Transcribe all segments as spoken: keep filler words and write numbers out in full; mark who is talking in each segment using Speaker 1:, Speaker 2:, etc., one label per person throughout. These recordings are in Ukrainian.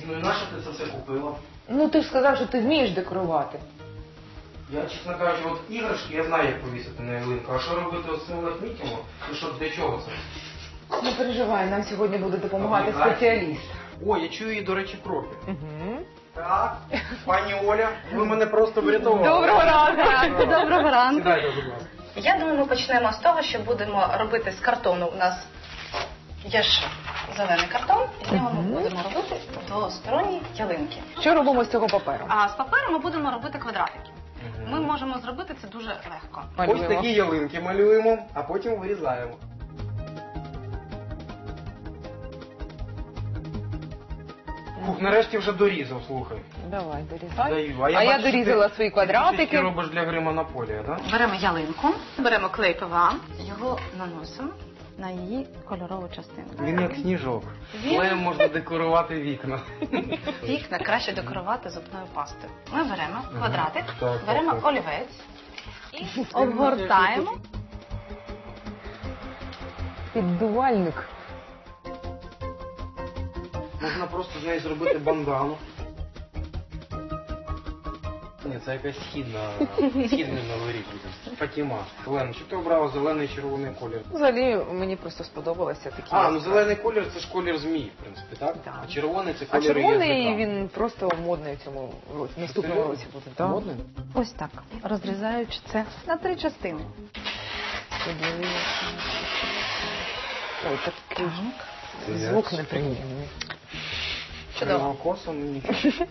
Speaker 1: Ну і нащо ти це все купила?
Speaker 2: Ну ти ж сказав, що ти вмієш декорувати.
Speaker 1: Я, чесно кажучи, от іграшки я знаю, як повісити на ялинку. А що робити з цим лахміттям? І що, для чого це?
Speaker 2: Не переживай, нам сьогодні буде допомагати
Speaker 1: Обігай.
Speaker 2: спеціаліст.
Speaker 1: О, я чую її, до речі, кроки.
Speaker 2: Угу.
Speaker 1: Так, пані Оля, ви мене просто врятували.
Speaker 2: Доброго ранку!
Speaker 3: Доброго ранку.
Speaker 1: Сідайте, будь ласка.
Speaker 3: Я думаю, ми почнемо з того, що будемо робити з картону. У нас є ж зелений картон, і з нього ми
Speaker 2: Мгм.
Speaker 3: будемо робити двосторонні ялинки.
Speaker 2: Що робимо з цього паперу?
Speaker 3: А з паперу ми будемо робити квадратики.
Speaker 1: Мгм.
Speaker 3: Ми можемо зробити це дуже легко.
Speaker 1: Ось
Speaker 2: Малюємо.
Speaker 1: такі ялинки малюємо, а потім вирізаємо. Фух, нарешті вже дорізав, слухай.
Speaker 2: Давай, дорізай.
Speaker 1: Даю.
Speaker 2: А я
Speaker 1: бачу,
Speaker 2: дорізала
Speaker 1: ти-
Speaker 2: свої
Speaker 1: Ти
Speaker 2: квадратики.
Speaker 1: робиш для гри Монополія, так?
Speaker 3: Беремо ялинку, беремо клей ПВА, його наносимо на її кольорову частину.
Speaker 1: Він як сніжок.
Speaker 3: Він-
Speaker 1: Клеєм можна декорувати вікна.
Speaker 3: Вікна краще декорувати зубною пастою. Ми беремо квадратик,
Speaker 1: Так,
Speaker 3: беремо
Speaker 1: так, так.
Speaker 3: олівець і обгортаємо.
Speaker 2: Піддувальник.
Speaker 1: Можна просто з неї зробити бандану. Ні, це якась східна, східний новий рік буде. Фатіма. Олена, чи ти обрала зелений і червоний колір?
Speaker 2: Взагалі мені просто сподобалося такі.
Speaker 1: А, ну зелений колір це ж колір змії, в принципі, так?
Speaker 2: Так.
Speaker 1: А червоний це
Speaker 2: А
Speaker 1: колір
Speaker 2: червоний
Speaker 1: язика.
Speaker 2: він просто модний в цьому році, в наступному році буде. Так?
Speaker 1: Модний?
Speaker 3: Ось так, розрізаючи це на три частини.
Speaker 2: Ой, такий
Speaker 1: Це
Speaker 2: звук
Speaker 1: як?
Speaker 2: неприємний.
Speaker 3: Чудово.
Speaker 1: Косом ну, нічого.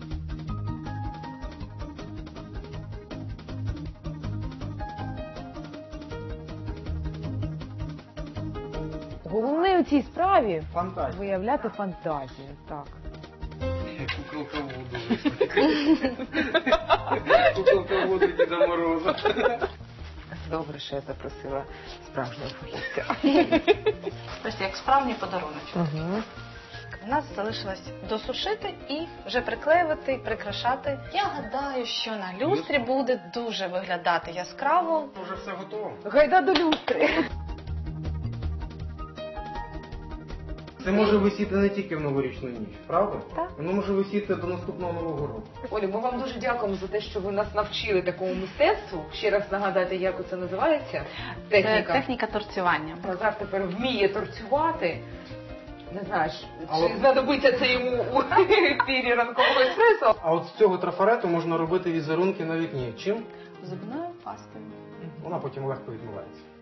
Speaker 2: Головне у цій справі
Speaker 1: Фантазія.
Speaker 2: виявляти фантазію. Так.
Speaker 1: Куколка Вуду виступить. Куколка Вуду Діда Мороза.
Speaker 2: Добре, що я запросила справжнього фахівця.
Speaker 3: Ось як справжній подарунок.
Speaker 2: Угу.
Speaker 3: У нас залишилось досушити і вже приклеювати, прикрашати. Я гадаю, що на люстрі буде дуже виглядати яскраво.
Speaker 1: Вже все готово.
Speaker 2: Гайда до люстри.
Speaker 1: Це може висіти не тільки в новорічну ніч, правда?
Speaker 3: Так.
Speaker 1: Воно може висіти до наступного Нового року.
Speaker 2: Олю, ми вам дуже дякуємо за те, що ви нас навчили такому мистецтву. Ще раз нагадайте, як це називається.
Speaker 3: Це
Speaker 2: Техніка.
Speaker 3: техніка торцювання.
Speaker 2: Назар тепер вміє торцювати. Не знаєш,
Speaker 1: А
Speaker 2: чи
Speaker 1: от-
Speaker 2: знадобиться це йому у ефірі ранкового еспресо?
Speaker 1: А от з цього трафарету можна робити візерунки на вікні. Чим?
Speaker 3: Зубною пастою.
Speaker 1: Вона потім легко відмивається.